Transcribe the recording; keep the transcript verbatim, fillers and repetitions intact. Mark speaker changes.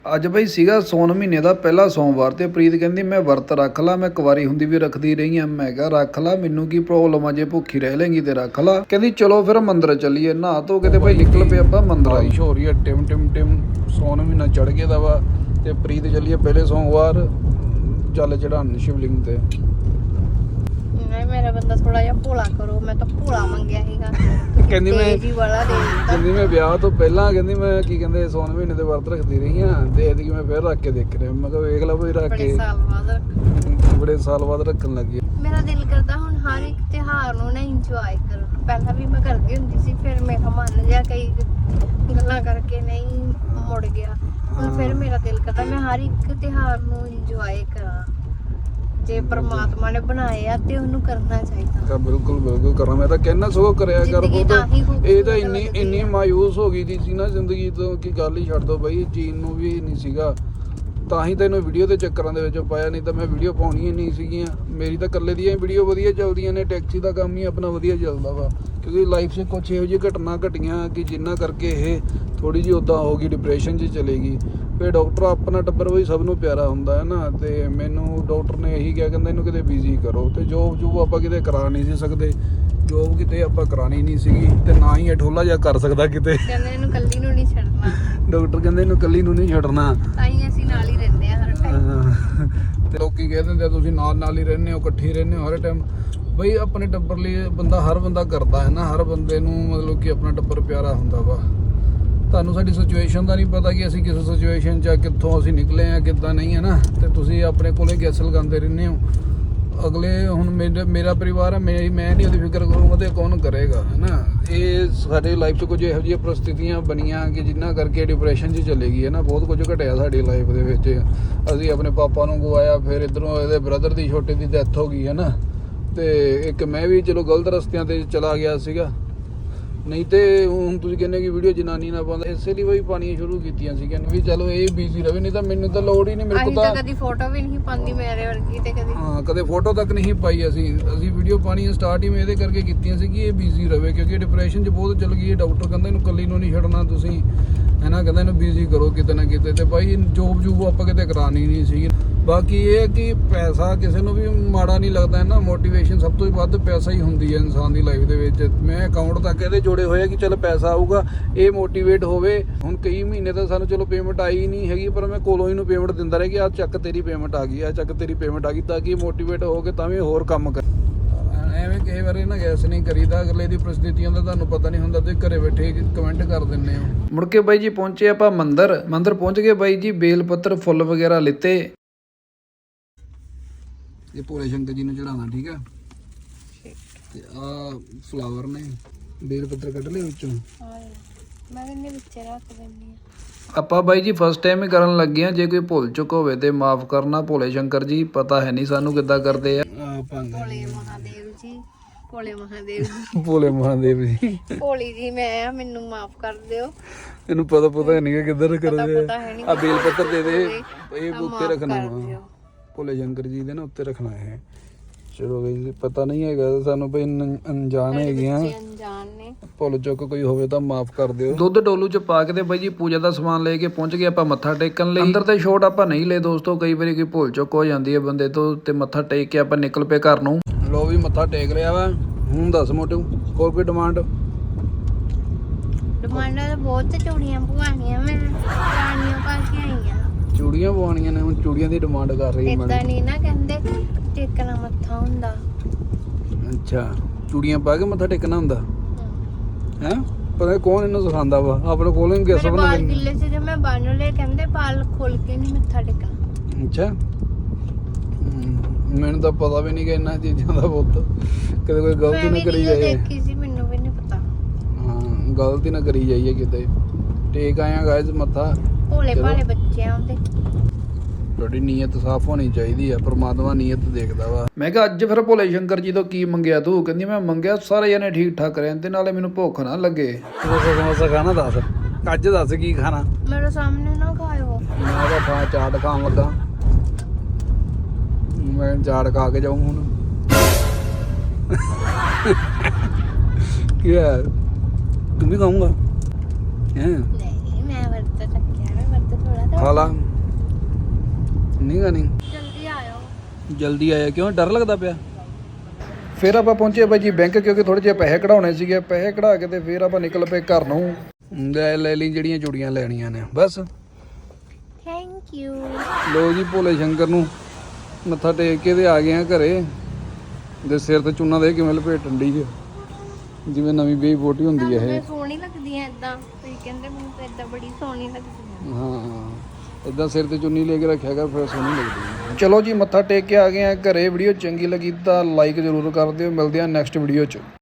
Speaker 1: ਅੱਜ ਬਈ ਸੀਗਾ ਸੌਣ ਮਹੀਨੇ ਦਾ ਪਹਿਲਾ ਸੋਮਵਾਰ ਤੇ ਪ੍ਰੀਤ ਕਹਿੰਦੀ ਮੈਂ ਵਰਤ ਰੱਖ ਲਾ। ਮੈਂ ਕੁਵਾਰੀ ਹੁੰਦੀ ਵੀ ਰੱਖਦੀ ਰਹੀ ਆ। ਮੈਂ ਕਿਹਾ ਰੱਖ ਲਾ, ਮੈਨੂੰ ਕੀ ਪ੍ਰੋਬਲਮ ਆ, ਜੇ ਭੁੱਖੀ ਰਹਿ ਲੇਂਗੀ ਤੇ ਰੱਖ ਲਾ। ਕਹਿੰਦੀ ਚਲੋ ਫਿਰ ਮੰਦਰ ਚੱਲੀਏ। ਨਹਾ ਧੋ ਕੇ ਤੇ ਭਾਈ ਨਿਕਲ ਪਏ ਆਪਾਂ ਮੰਦਰ। ਬਾਰਿਸ਼ ਹੋ ਰਹੀ ਹੈ, ਟਿਮ ਟਿਮ ਟਿਮ। ਸੌਣ ਮਹੀਨਾ ਚੜ ਗਿਆ ਦਾ ਵਾ ਤੇ ਪ੍ਰੀਤ ਚੱਲੀਏ ਪਹਿਲੇ ਸੋਮਵਾਰ ਜਲ ਚੜਾਉਣ ਸ਼ਿਵਲਿੰਗ ਤੇ।
Speaker 2: ਨਹੀਂ ਮੇਰਾ ਬੰਦਾ ਥੋੜਾ ਜਿਹਾ ਭੋਲਾ ਕਰੋ, ਮੈਂ ਤਾਂ ਭੋਲਾ ਮੰਗਿਆ ਸੀਗਾ।
Speaker 1: ਕਹਿੰਦੀ ਮੈਂ
Speaker 2: ਜੀ ਵਾਲਾ ਦੇ ਦਿੱਤਾ।
Speaker 1: ਕਹਿੰਦੀ ਮੈਂ ਵਿਆਹ ਤੋਂ ਪਹਿਲਾਂ ਕਹਿੰਦੀ ਮੈਂ ਕੀ ਕਹਿੰਦੇ ਸੌਣ ਮਹੀਨੇ ਦੇ ਵਰਤ ਰੱਖਦੀ ਰਹੀ ਆ ਤੇ ਐਤਕੀ ਮੈਂ ਫਿਰ ਰੱਖ ਕੇ ਦੇਖ ਰਿਹਾ। ਮੈਂ ਕਿਹਾ ਵੇਖ ਲਾ ਬਈ ਰੱਖ ਕੇ
Speaker 2: ਬੜੇ ਸਾਲ ਬਾਅਦ
Speaker 1: ਬੜੇ ਸਾਲ ਬਾਅਦ ਰੱਖਣ ਲੱਗੀ।
Speaker 2: ਮੇਰਾ ਦਿਲ ਕਰਦਾ ਹੁਣ ਹਰ ਇੱਕ ਤਿਉਹਾਰ ਨੂੰ ਨਾ ਇੰਜੋਏ ਕਰੋ। ਪਹਿਲਾਂ ਵੀ ਮੈਂ ਕਰਦੀ ਹੁੰਦੀ ਸੀ, ਫਿਰ ਮੇਰਾ ਮਨ ਜਿਹਾ ਕਈ ਗੱਲਾਂ ਕਰਕੇ ਨਹੀਂ ਮੁੜ ਗਿਆ। ਹੁਣ ਫਿਰ ਮੇਰਾ ਦਿਲ ਕਰਦਾ ਮੈਂ ਹਰ ਇੱਕ ਤਿਉਹਾਰ ਨੂੰ ਇੰਜੋਏ ਕਰਾਂ। ਜੇ ਪ੍ਰਮਾਤਮਾ ਨੇ ਬਣਾਏ ਆ ਤੇ ਉਹਨੂੰ ਕਰਨਾ ਚਾਹੀਦਾ।
Speaker 1: ਤਾਂ ਬਿਲਕੁਲ ਬਿਲਕੁਲ ਕਰਾਂ। ਮੈਂ ਤਾਂ ਕਹਿਣਾ ਸਗੋਂ ਕਰਿਆ ਕਰ।
Speaker 2: ਜ਼ਿੰਦਗੀ ਤਾਂ ਹੀ ਖੂਬਸੂਰਤ
Speaker 1: ਇਹ ਤਾਂ ਇੰਨੀ
Speaker 2: ਲੱਗਦੀ
Speaker 1: ਇੰਨੀ
Speaker 2: ਆ।
Speaker 1: ਮਾਯੂਸ ਹੋ ਗਈ ਦੀ ਸੀ ਨਾ ਜ਼ਿੰਦਗੀ ਤੋਂ ਕਿ ਗੱਲ ਹੀ ਛੱਡ ਦੋ ਬਈ। ਜੀਣ ਨੂੰ ਵੀ ਨਹੀਂ ਸੀਗਾ, ਤਾਂ ਹੀ ਤੈਨੂੰ ਵੀਡੀਓ ਦੇ ਚੱਕਰਾਂ ਦੇ ਵਿੱਚ ਪਾਇਆ। ਨਹੀਂ ਤਾਂ ਮੈਂ ਵੀਡੀਓ ਪਾਉਣੀ ਹੀ ਨਹੀਂ ਸੀਗੀਆਂ। ਮੇਰੀ ਤਾਂ ਇਕੱਲੇ ਦੀਆਂ ਵੀਡੀਓ ਵਧੀਆ ਚੱਲਦੀਆਂ ਨੇ। ਟੈਕਸੀ ਦਾ ਕੰਮ ਹੀ ਆਪਣਾ ਵਧੀਆ ਚੱਲਦਾ ਵਾ, ਕਿਉਂਕਿ ਲਾਈਫ 'ਚ ਕੁਛ ਇਹੋ ਜਿਹੀ ਘਟਨਾ ਘਟੀਆਂ ਕਿ ਜਿੰਨਾ ਕਰਕੇ ਇਹ ਥੋੜੀ ਜਿਹੀ ਉੱਦਾਂ ਹੋ ਗਈ, ਡਿਪਰੈਸ਼ਨ 'ਚ ਚਲੇ ਗਈ। ਫਿਰ ਡਾਕਟਰ ਆਪਣਾ ਟੱਬਰ ਬਈ ਸਭ ਨੂੰ ਪਿਆਰਾ ਹੁੰਦਾ ਹੈ ਨਾ। ਤੇ ਮੈਨੂੰ ਡਾਕਟਰ ਨੇ ਇਹੀ ਕਿਹਾ, ਕਹਿੰਦਾ ਇਹਨੂੰ ਕਿਤੇ ਬਿਜ਼ੀ ਕਰੋ। ਤੇ ਜੋਬ ਜੂਬ ਆਪਾਂ ਕਿਤੇ ਕਰਾ ਨਹੀਂ ਸੀ ਸਕਦੇ। ਜੋਬ ਕਿਤੇ ਆਪਾਂ ਕਰਾਣੀ ਨਹੀਂ ਸੀਗੀ ਤੇ ਨਾ ਹੀ ਇਹ ਠੋਲਾ ਜਿਹਾ ਕਰ ਸਕਦਾ ਕਿਤੇ।
Speaker 2: ਕਹਿੰਦੇ ਇਹਨੂੰ ਕੱਲੀ ਨੂੰ ਨਹੀਂ ਛੱਡਣਾ।
Speaker 1: ਡਾਕਟਰ ਕਹਿੰਦੇ ਇਹਨੂੰ ਇਕੱਲੀ ਨੂੰ ਨਹੀਂ ਛੱਡਣਾ।
Speaker 2: ਤਾਂ ਹੀ ਅਸੀਂ ਨਾਲ ਹੀ ਰਹਿੰਦੇ ਆ ਹਰ ਟਾਈਮ।
Speaker 1: ਤੇ ਲੋਕੀ ਕਹਿ ਦਿੰਦੇ ਆ ਤੁਸੀਂ ਨਾਲ ਨਾਲ ਹੀ ਰਹਿੰਦੇ ਹੋ, ਇਕੱਠੇ ਹੀ ਰਹਿੰਦੇ ਹੋ ਹਰ ਟਾਈਮ। ਬਈ ਆਪਣੇ ਟੱਬਰ ਲਈ ਬੰਦਾ ਹਰ ਬੰਦਾ ਕਰਦਾ ਹੈ ਨਾ। ਹਰ ਬੰਦੇ ਨੂੰ ਮਤਲਬ ਕਿ ਆਪਣਾ ਟੱਬਰ ਪਿਆਰਾ ਹੁੰਦਾ ਵਾ। ਤੁਹਾਨੂੰ ਸਾਡੀ ਸਿਚੁਏਸ਼ਨ ਦਾ ਨਹੀਂ ਪਤਾ ਕਿ ਅਸੀਂ ਕਿਸ ਸਿਚੁਏਸ਼ਨ 'ਚ ਆ, ਕਿੱਥੋਂ ਅਸੀਂ ਨਿਕਲੇ ਆ, ਕਿੱਦਾਂ ਨਹੀਂ ਹੈ ਨਾ। ਤੇ ਤੁਸੀਂ ਆਪਣੇ ਕੋਲੇ ਗੈਸ ਲਗਾਉਂਦੇ ਰਹਿੰਦੇ ਹੋ। ਅਗਲੇ ਹੁਣ ਮੇਰੇ ਮੇਰਾ ਪਰਿਵਾਰ ਹੈ, ਮੇਰੀ ਮੈਂ ਨਹੀਂ ਉਹਦੀ ਫਿਕਰ ਕਰੂੰਗਾ ਤੇ ਕੌਣ ਕਰੇਗਾ, ਹੈ ਨਾ। ਇਹ ਸਾਡੇ ਲਾਈਫ 'ਚ ਕੁਝ ਇਹੋ ਜਿਹੀਆਂ ਪ੍ਰਸਥਿਤੀਆਂ ਬਣੀਆਂ ਕਿ ਜਿਨ੍ਹਾਂ ਕਰਕੇ ਡਿਪਰੈਸ਼ਨ 'ਚ ਚਲੇ ਗਈ ਹੈ ਨਾ। ਬਹੁਤ ਕੁਝ ਘਟਿਆ ਸਾਡੀ ਲਾਈਫ ਦੇ ਵਿੱਚ। ਅਸੀਂ ਆਪਣੇ ਪਾਪਾ ਨੂੰ ਗਵਾਇਆ, ਫਿਰ ਇੱਧਰੋਂ ਇਹਦੇ ਬ੍ਰਦਰ ਦੀ ਛੋਟੇ ਦੀ ਡੈਥ ਹੋ ਗਈ ਹੈ ਨਾ। ਤੇ ਇੱਕ ਮੈਂ ਵੀ ਚਲੋ ਗਲਤ ਰਸਤਿਆਂ 'ਤੇ ਚਲਾ ਗਿਆ ਸੀਗਾ। ਨਹੀਂ ਤੇ ਹੁਣ ਤੁਸੀਂ ਕਹਿੰਦੇ ਕਿ ਵੀਡੀਓ ਜਨਾਨੀ ਨਾ ਪਾਉਂਦਾ, ਇਸੇ ਲਈ ਬਈ ਪਾਣੀਆਂ ਸ਼ੁਰੂ ਕੀਤੀਆਂ ਸੀ ਕਹਿੰਦੇ ਵੀ ਚਲੋ ਇਹ ਬਿਜ਼ੀ ਰਵੇ। ਨਹੀਂ ਤਾਂ ਮੈਨੂੰ ਤਾਂ ਲੋੜ ਹੀ ਨਹੀਂ। ਮੇਰੇ ਕੋਲ
Speaker 2: ਤਾਂ ਕਦੀ ਫੋਟੋ ਵੀ ਨਹੀਂ ਪਾਉਂਦੀ ਮੇਰੇ ਵਰਗੀ ਤੇ ਕਦੀ
Speaker 1: ਹਾਂ ਕਦੇ ਫੋਟੋ ਤੱਕ ਨਹੀਂ ਪਾਈ। ਅਸੀਂ ਅਸੀਂ ਵੀਡੀਓ ਪਾਣੀਆਂ ਸਟਾਰਟ ਹੀ ਮੈਂ ਇਹਦੇ ਕਰਕੇ ਕੀਤੀਆਂ ਸੀ ਕਿ ਇਹ ਬਿਜ਼ੀ ਰਵੇ, ਕਿਉਂਕਿ ਡਿਪਰੈਸ਼ਨ 'ਚ ਬਹੁਤ ਚੱਲ ਗਈ ਹੈ। ਡਾਕਟਰ ਕਹਿੰਦਾ ਇਹਨੂੰ ਇਕੱਲੀ ਨੂੰ ਨਹੀਂ ਛੱਡਣਾ ਤੁਸੀਂ, ਹੈ ਨਾ। ਕਹਿੰਦਾ ਇਹਨੂੰ ਬਿਜ਼ੀ ਕਰੋ ਕਿਤੇ ਨਾ ਕਿਤੇ। ਤੇ ਬਾਈ ਜੋਬ ਜੂਬ ਆਪਾਂ ਕਿਤੇ ਕਰਾਣੀ ਨਹੀਂ ਸੀ। ਬਾਕੀ ਇਹ ਹੈ ਕਿ ਪੈਸਾ ਕਿਸੇ ਨੂੰ ਵੀ ਮਾੜਾ ਨਹੀਂ ਲੱਗਦਾ ਹੈ ਨਾ। ਮੋਟੀਵੇਸ਼ਨ ਸਭ ਤੋਂ ਵੱਧ ਪੈਸਾ ਹੀ ਹੁੰਦੀ ਹੈ ਇਨਸਾਨ ਦੀ ਲਾਈਫ ਦੇ ਵਿੱਚ। ਮੈਂ ਅਕਾਊਂਟ ਤੱਕ ਇਹਦੇ ਜੋੜੇ ਹੋਏ ਕਿ ਚਲ ਪੈਸਾ ਆਊਗਾ, ਇਹ ਮੋਟੀਵੇਟ ਹੋਵੇ। ਹੁਣ ਕਈ ਮਹੀਨੇ ਤਾਂ ਸਾਨੂੰ ਚਲੋ ਪੇਮੈਂਟ ਆਈ ਨਹੀਂ ਹੈਗੀ, ਪਰ ਮੈਂ ਕੋਲੋਂ ਹੀ ਨੂੰ ਪੇਮੈਂਟ ਦਿੰਦਾ ਰਿਹਾ ਕਿ ਆਹ ਚੱਕ ਤੇਰੀ ਪੇਮੈਂਟ ਆ ਗਈ, ਆਹ ਚੱਕ ਤੇਰੀ ਪੇਮੈਂਟ ਆ ਗਈ, ਤਾਂ ਕਿ ਮੋਟੀਵੇਟ ਹੋ ਕੇ ਤਾਂ ਵੀ ਹੋਰ ਕੰਮ ਕਰ। ਐਵੇਂ ਕਈ ਵਾਰੀ ਨਾ ਗੈਸ ਨਹੀਂ ਕਰੀਦਾ। ਅਗਲੇ ਦੀ ਪ੍ਰਸਥਿਤੀਆਂ ਦਾ ਤੁਹਾਨੂੰ ਪਤਾ ਨਹੀਂ ਹੁੰਦਾ, ਤੇ ਘਰੇ ਬੈਠੇ ਕਮੈਂਟ ਕਰ ਦਿੰਦੇ ਹੋ। ਮੁੜ ਕੇ ਬਾਈ ਜੀ ਪਹੁੰਚੇ ਆਪਾਂ ਮੰਦਰ। ਮੰਦਰ ਪਹੁੰਚ ਗਏ ਬਾਈ ਜੀ, ਬੇਲ ਪੱਤਰ ਫੁੱਲ ਵਗੈਰਾ ਲਿੱਤੇ। ਇਹ ਭੋਲੇ ਸ਼ੰਕਰ ਜੀ ਨੂੰ ਚੜਾਉਣਾ, ਠੀਕ ਆ। ਤੇ ਆ ਫਲਾਵਰ ਨੇ, ਬੇਲ ਪੱਤਰ ਕੱਢ ਲਏ ਵਿੱਚੋਂ।
Speaker 2: ਮੈਂ ਕਹਿੰਦੀ ਵਿੱਚ ਰੱਖ ਦਿੰਦੀ ਆ।
Speaker 1: ਆਪਾਂ ਬਾਈ ਜੀ ਫਸਟ ਟਾਈਮ ਹੀ ਕਰਨ ਲੱਗੇ ਆ। ਜੇ ਕੋਈ ਭੁੱਲ ਚੁੱਕ ਹੋਵੇ ਤੇ ਮਾਫ ਕਰਨਾ। ਭੋਲੇ ਸ਼ੰਕਰ ਜੀ ਪਤਾ ਹੈ ਨਹੀਂ ਸਾਨੂੰ ਕਿੱਦਾਂ ਕਰਦੇ ਆ।
Speaker 2: ਭੋਲੇ ਮਹਾਦੇਵ ਜੀ, ਭੋਲੇ ਮਹਾਦੇਵ ਜੀ,
Speaker 1: ਭੋਲੇ ਮਹਾਦੇਵ ਜੀ,
Speaker 2: ਭੋਲੀ ਜੀ ਮੈਂ, ਮੈਨੂੰ ਮਾਫ ਕਰ ਦਿਓ।
Speaker 1: ਇਹਨੂੰ ਪਤਾ ਪਤਾ ਨਹੀਂ ਕਿ ਕਿੱਧਰ ਕਰਦੇ
Speaker 2: ਪਤਾ ਹੈ ਨਹੀਂ।
Speaker 1: ਆ। ਬੇਲ ਪੱਤਰ ਦੇ ਦੇ, ਇਹ ਉੱਤੇ ਰੱਖਣਾ
Speaker 2: ਕਰ
Speaker 1: ਵਾ
Speaker 2: ਦਿਓ।
Speaker 1: ਭੋਲੇ ਸ਼ੰਕਰ ਜੀ ਦੇ ਨਾ ਉੱਤੇ ਰੱਖਣਾ ਹੈ। ਚਲੋ ਬਈ ਪਤਾ ਨਹੀਂ ਹੈਗਾ ਸਾਨੂੰ ਬਈ, ਅਣਜਾਣ ਹੈਗੀਆਂ।
Speaker 2: ਅਣਜਾਣ ਨੇ।
Speaker 1: ਭੁੱਲ ਚੁੱਕ ਕੋਈ ਹੋਵੇ ਤਾਂ ਮਾਫ ਕਰ ਦਿਓ। ਦੁੱਧ ਡੋਲੂ ਚ ਪਾ ਕੇ ਤੇ ਬਾਈ ਜੀ ਪੂਜਾ ਦਾ ਸਮਾਨ ਲੈ ਕੇ ਪਹੁੰਚ ਗਏ ਆਪਾਂ ਮੱਥਾ ਟੇਕਣ ਲਈ। ਅੰਦਰ ਤੇ ਸ਼ੋਟ ਆਪਾਂ ਨਹੀਂ ਲਏ ਦੋਸਤੋ, ਕਈ ਵਾਰੀ ਕੋਈ ਭੁੱਲ ਚੁੱਕ ਹੋ ਜਾਂਦੀ ਹੈ ਬੰਦੇ ਤੋਂ। ਤੇ ਮੱਥਾ ਟੇਕ ਕੇ ਆਪਾਂ ਨਿਕਲ ਪਏ ਘਰ ਨੂੰ। ਲੋ ਵੀ ਮੱਥਾ ਟੇਕ ਲਿਆ ਵਾ। ਹੁਣ ਦੱਸ ਮੋਟੂ, ਹੋਰ ਕੋਈ ਡਿਮਾਂਡ?
Speaker 2: ਡਿਮਾਂਡਾਂ ਤਾਂ ਬਹੁਤ ਚੂੜੀਆਂ ਪਵਾਉਣੀਆਂ ਮੈਂ, ਰਾਣੀਆਂ ਪਾ ਕੇ ਆਈਆਂ।
Speaker 1: ਚੂੜੀਆਂ ਪਵਾਉਣੀਆਂ ਨੇ, ਹੁਣ ਚੂੜੀਆਂ ਦੀ ਡਿਮਾਂਡ ਕਰ ਰਹੀ ਹੈ।
Speaker 2: ਇਦਾਂ ਨਹੀਂ ਨਾ ਕਹਿੰਦੇ ਟੇਕਣਾ ਮੱਥਾ ਹੁੰਦਾ।
Speaker 1: ਅੱਛਾ, ਚੂੜੀਆਂ ਪਾ ਕੇ ਮੱਥਾ ਟੇਕਣਾ ਹੁੰਦਾ ਹੈ। ਪਤਾ ਕੌਣ ਇਹਨੂੰ ਸਿਖਾਉਂਦਾ ਵਾ? ਆਪਣੇ ਕੋਲੋਂ ਹੀ ਗੈਸ
Speaker 2: ਮੇਰੇ
Speaker 1: ਬਣਾ
Speaker 2: ਬਾਲ ਗਿੱਲੇ ਸੀ ਤੇ ਮੈਂ ਬੰਨ ਲਏ। ਕਹਿੰਦੇ ਬਾਲ ਖੋਲ ਕੇ ਨਹੀਂ ਮੱਥਾ ਟੇਕਣਾ।
Speaker 1: ਅੱਛਾ, ਮੈਨੂੰ ਤਾਂ ਪਤਾ ਵੀ ਨਹੀਂ ਕਿ ਇਹਨਾਂ ਚੀਜ਼ਾਂ ਦਾ ਬਹੁਤ। ਕਦੇ ਕੋਈ ਗਲਤੀ ਨਾ ਕਰੀ ਜਾਏ।
Speaker 2: ਦੇਖੀ ਸੀ, ਮੈਨੂੰ ਵੀ ਨਹੀਂ ਪਤਾ।
Speaker 1: ਹਾਂ, ਗਲਤੀ ਨਾ ਕਰੀ ਜਾਈਏ ਕਿਤੇ। ਟੇਕ ਆਇਆ ਗਾਇਸ ਮੱਥਾ।
Speaker 2: ਭੋਲੇ ਭਾਲੇ ਬੱਚੇ ਆਉਂਦੇ।
Speaker 1: ਤੁਹਾਡੀ ਨੀਅਤ ਸਾਫ਼ ਹੋਣੀ ਚਾਹੀਦੀ ਆ। ਪ੍ਰਮਾਤਮਾ ਨੀਅਤ ਦੇਖਦਾ ਵਾ। ਮੈਂ ਕਿਹਾ ਅੱਜ ਫਿਰ ਭੋਲੇ ਸ਼ੰਕਰ ਜੀ ਤੋਂ ਕੀ ਮੰਗਿਆ ਤੂੰ? ਕਹਿੰਦੀ ਮੈਂ ਮੰਗਿਆ ਸਾਰੇ ਜਣੇ ਠੀਕ ਠਾਕ ਰਹਿਣ ਤੇ ਨਾਲੇ ਮੈਨੂੰ ਭੁੱਖ ਨਾ ਲੱਗੇ। ਸਮੋਸਾ ਸਮੋਸਾ ਖਾਣਾ ਦੱਸ, ਅੱਜ ਦੱਸ ਕੀ ਖਾਣਾ?
Speaker 2: ਮੇਰੇ ਸਾਹਮਣੇ ਨਾ ਖਾਇਓ।
Speaker 1: ਮੈਂ ਤਾਂ ਖਾ ਚਾਟ ਖਾਣ ਲੱਗਾ। ਮੈਂ ਚਾਟ ਖਾ ਕੇ ਜਾਊਂ ਹੁਣ। ਕੀ ਹੈ, ਤੂੰ ਵੀ ਖਾਊਂਗਾ? ਹੈ
Speaker 2: ਨਹੀਂ, ਮੈਂ ਵਰਤ ਰੱਖਿਆ। ਮੈਂ ਵਰਤ ਥੋੜਾ
Speaker 1: ਖਾ ਲਾ। ਨਹੀਂ ਗਾ ਨਹੀਂ
Speaker 2: ਜਲਦੀ ਆਇਓ।
Speaker 1: ਜਲਦੀ ਆਇਆ ਕਿਉਂ ਡਰ ਲੱਗਦਾ ਪਿਆ? ਫਿਰ ਆਪਾਂ ਪਹੁੰਚੇ ਬਾਈ ਜੀ ਬੈਂਕ, ਕਿਉਂਕਿ ਥੋੜੇ ਜਿਹੇ ਪੈਸੇ ਕਢਾਉਣੇ ਸੀਗੇ। ਪੈਸੇ ਕਢਾ ਕੇ ਤੇ ਫਿਰ ਆਪਾਂ ਨਿਕਲ ਪਏ ਘਰ ਨੂੰ। ਲੈ ਲੈ ਲਈ ਜਿਹੜੀਆਂ ਚੂੜੀਆਂ ਲੈਣੀਆਂ ਨੇ ਬਸ।
Speaker 2: Thank you.
Speaker 1: ਲੋ ਜੀ ਭੋਲੇ ਸ਼ੰਕਰ ਨੂੰ ਮੱਥਾ ਟੇਕ ਕੇ ਤੇ ਆ ਗਏ ਆ ਘਰੇ। ਦੇ ਸਿਰ ਤੇ ਚੂਨਾ ਦੇ ਕਿਵੇਂ ਲਪੇਟਣ ਡਈ ਹੈ ਜਿਵੇਂ ਨਵੀਂ ਬੇਬੀ ਬੋਟੀ ਹੁੰਦੀ ਹੈ ਇਹ।
Speaker 2: ਸੋਹਣੀ ਲੱਗਦੀ ਐ ਇਦਾਂ, ਤੁਸੀਂ ਕਹਿੰਦੇ ਮੈਨੂੰ ਤਾਂ ਇਦਾਂ ਬੜੀ ਸੋਹਣੀ ਲੱਗਦੀ ਹੈ।
Speaker 1: ਹਾਂ ਇਦਾਂ ਸਿਰ ਤੇ ਚੁੰਨੀ ਲੈ ਕੇ ਰੱਖਿਆ ਕਰ, ਫਿਰ ਸੋਹਣੀ ਲੱਗਦੀ ਹੈ। ਚਲੋ ਜੀ ਮੱਥਾ ਟੇਕ ਕੇ ਆ ਗਏ ਆ ਘਰੇ। ਵੀਡੀਓ ਚੰਗੀ ਲੱਗੀ ਤਾਂ ਲਾਈਕ ਜ਼ਰੂਰ ਕਰ ਦਿਓ। ਮਿਲਦੇ ਆ ਨੈਕਸਟ ਵੀਡੀਓ 'ਚ।